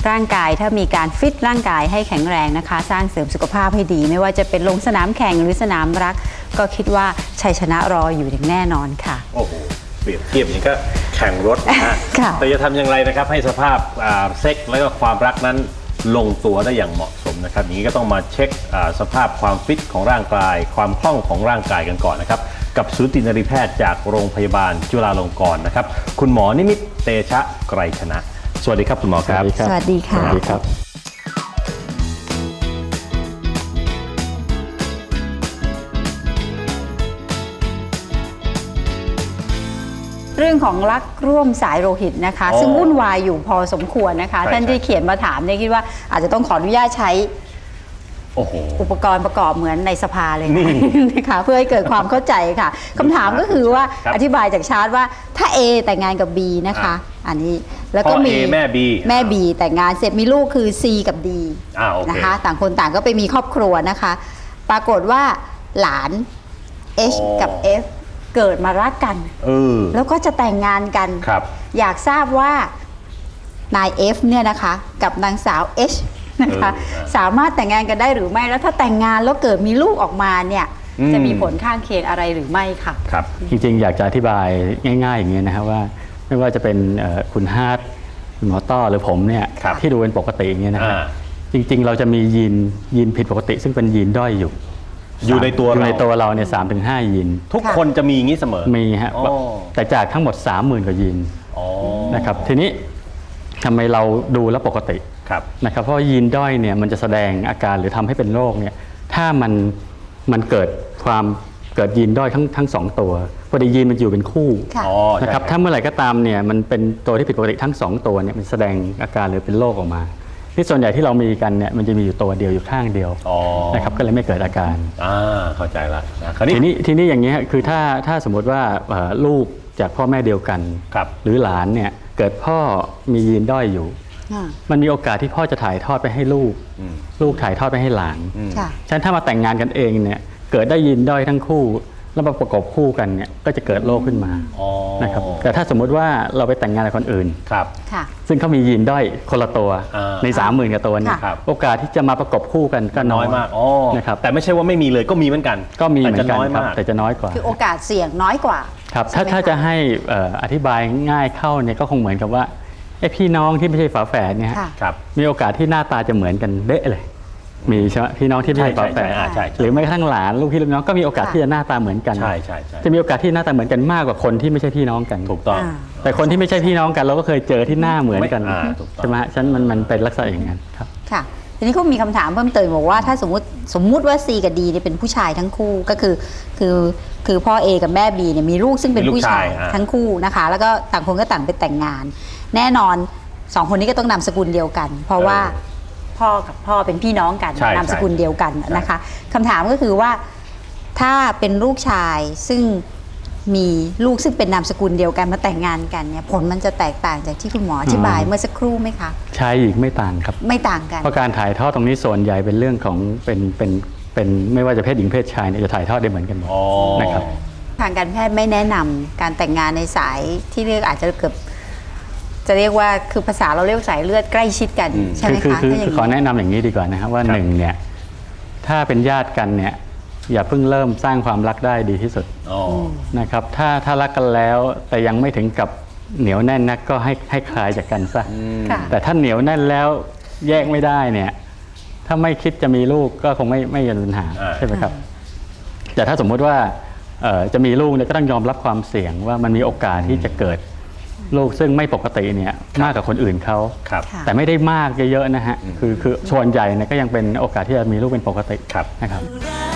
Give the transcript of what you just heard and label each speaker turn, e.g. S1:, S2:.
S1: ร่างกายถ้ามีการฟิตร่างกายให้แข็งแรงนะคะสร้างเสริมสุขภาพให้ดีไม่ว่าจะเป็นลงสนามแข่งหรือสนามรักก็คิดว่าชัยชนะรออยู่อย่างแน่นอนค่ะ
S2: โอ้โหเปรียบเทียบอย่างนี้ก็แข่งรถนะฮะแต่จะทำอย่างไรนะครับให้สภาพเซ็กและก็ความรักนั้นลงตัวได้อย่างเหมาะสมนะครับอย่างนี้ก็ต้องมาเช็คสภาพความฟิตของร่างกายความคล่องของร่างกายกันก่อนนะครับกับสูตินรีแพทย์จากโรงพยาบาลจุฬาลงกรณ์นะครับคุณหมอนิมิตเตชะไกรชนะสวัสดีครับคุณหมอครับ
S1: สวัสดีค่ะ
S3: สวัสดีครับ
S1: เรื่องของรักร่วมสายโลหิตนะคะซึ่งวุ่นวายอยู่พอสมควรนะคะท่านที่เขียนมาถามเนี่ยคิดว่าอาจจะต้องขออนุญาตใช้อุปกรณ์ประกอบเหมือนในสภาเลยนะคะเพื่อให้เกิดความเข้าใจค่ะคำถามก็คือว่าอธิบายจากชาร์ตว่าถ้า A แต่งงานกับ B นะคะอันนี้แล้วก็มี
S2: แม่
S1: B แต่งงานเสร็จมีลูกคือ C กับ D นะคะต่างคนต่างก็ไปมีครอบครัวนะคะปรากฏว่าหลาน H กับ F เกิดมารักกันแล้วก็จะแต่งงานกันอยากทราบว่านาย F เนี่ยนะคะกับนางสาว H นะคะสามารถแต่งงานกันได้หรือไม่แล้วถ้าแต่งงานแล้วเกิดมีลูกออกมาเนี่ยจะมีผลข้างเคียงอะไรหรือไม่ค่ะ
S3: ครับจริงๆอยากจะอธิบายง่ายๆอย่างนี้นะครับว่าไม่ว่าจะเป็นคุณฮาร์ดคุณหมอต้อหรือผมเนี่ยที่ดูเป็นปกติอย่างนี้นะครับจริงๆเราจะมียีนผิดปกติซึ่งเป็นยีนด้อยอยู่ในตัวเราเนี่ย3-5 ยีน
S2: ทุกคนจะมีอย่างนี้เสมอ
S3: มีฮะแต่จากทั้งหมด 30,000 กว่ายีนนะครับทีนี้ทำไมเราดูแล้วปกตินะครับเพราะยีนด้อยเนี่ยมันจะแสดงอาการหรือทำให้เป็นโรคเนี่ยถ้ามันเกิดยีนด้อยทั้ง2ตัวพอดียีนมันอยู่เป็นคู่นะครับถ้าเมื่อไหร่ก็ตามเนี่ยมันเป็นตัวที่ผิดปกติทั้ง2ตัวเนี่ยมันแสดงอาการหรือเป็นโรคออกมาที่ส่วนใหญ่ที่เรามีกันเนี่ยมันจะมีอยู่ตัวเดียวอยู่ข้างเดียวนะครับก็เลยไม่เกิดอาการ
S2: เข้าใจละ
S3: ทีนี้อย่างนี้คือถ้าสมมติว่าลูกจากพ่อแม่เดียวกันหรือหลานเนี่ยเกิดพ่อมียีนด้อยอยู่มันมีโอกาสที่พ่อจะถ่ายทอดไปให้ลูกถ่ายทอดไปให้หลานฉะนั้นถ้ามาแต่งงานกันเองเนี่ยเกิดได้ยีนด้อยทั้งคู่แล้วมาประกอบคู่กันเนี่ยก็จะเกิดโรคขึ้นมานะครับแต่ถ้าสมมุติว่าเราไปแต่งงานกับคนอื่นซึ่งเขามียีนด้อยคนละตัวใน30,000 กว่าตัวเนี่ยโอกาสที่จะมาประกอบคู่กันก็น้อย
S2: มาก
S3: นะครับ
S2: แต่ไม่ใช่ว่าไม่มีเลยก็มีเหมือนกัน
S3: ครับแต่จะน้อยกว่า
S1: คือโอกาสเสี่ยงน้อยกว่า
S3: ครับถ้าจะให้อธิบายง่ายเข้าเนี่ยก็คงเหมือนกับว่าไอ้พี่น้องที่ไม่ใช่ฝาแฝดเนี่ยมีโอกาสที่หน้าตาจะเหมือนกันเด๊ะเลยมีใช่ไหมพี่น้องที่ไม่ใช่ฝาแฝดหรือแม้กระทั่งหลานลูกพี่ลูกน้องก็มีโอกาสที่จะหน้าตาเหมือนกันจะมีโอกาสที่หน้าตาเหมือนกันมากกว่าคนที่ไม่ใช่พี่น้องกัน
S2: ถูกต้อง
S3: แต่คนที่ไม่ใช่พี่น้องกันเราก็เคยเจอที่หน้าเหมือนกันใช่ไหมฉะนั้นมันเป็นลักษณะอย่างนั้นครับ
S1: ค่ะทีนี้เขามีคำถามเพิ่มเติมบอกว่าถ้าสมมุติว่า C กับ D เนี่ยเป็นผู้ชายทั้งคู่ก็คือพ่อ A กับแม่ B เนี่ยมีลูกซึ่งเป็นผู้ชายทั้งคู่นะคะแล้วก็ต่างคนก็ต่างไปแต่งงานแน่นอน2 คนนี้ก็ต้องนามสกุลเดียวกันเพราะว่าพ่อกับพ่อเป็นพี่น้องกันนามสกุลเดียวกันนะคะคำถามก็คือว่าถ้าเป็นลูกชายซึ่งมีลูกซึ่งเป็นนามสกุลเดียวกันมาแต่งงานกันเนี่ยผลมันจะแตกต่างจากที่คุณหมออธิบายเมื่อสักครู่ไหมคะ
S3: ชายหญิงไม่ต่างครับ
S1: ไม่ต่างกัน
S3: เพราะการถ่ายทอดตรงนี้ส่วนใหญ่เป็นเรื่องของเป็นไม่ว่าจะเพศหญิงเพศชายเนี่ยจะถ่ายทอดได้เหมือนกันหมดนะครับ
S1: ทางการแพทย์ไม่แนะนำการแต่งงานในสายที่เรียกอาจจะเกือบจะเรียกว่าคือภาษาเราเรียกสายเลือดใกล้ชิดกันใช่ไหมคะ
S3: คือขอแนะนำอย่างนี้ดีกว่านะครับว่า1เนี่ยถ้าเป็นญาติกันเนี่ยอย่าเพิ่งเริ่มสร้างความรักได้ดีที่สุดนะครับถ้ารักกันแล้วแต่ยังไม่ถึงกับเหนียวแน่นนักก็ให้คลายจากกันซะแต่ถ้าเหนียวแน่นแล้วแยกไม่ได้เนี่ยถ้าไม่คิดจะมีลูกก็คงไม่มีปัญหาใช่ไหมครับแต่ถ้าสมมติว่าจะมีลูกเนี่ยก็ต้องยอมรับความเสี่ยงว่ามันมีโอกาสที่จะเกิดลูกซึ่งไม่ปกติเนี่ยมากกว่าคนอื่นเขาแต่ไม่ได้มากเยอะๆนะฮะคือส่วนใหญ่เนี่ยก็ยังเป็นโอกาสที่จะมีลูกเป็นปกตินะครับ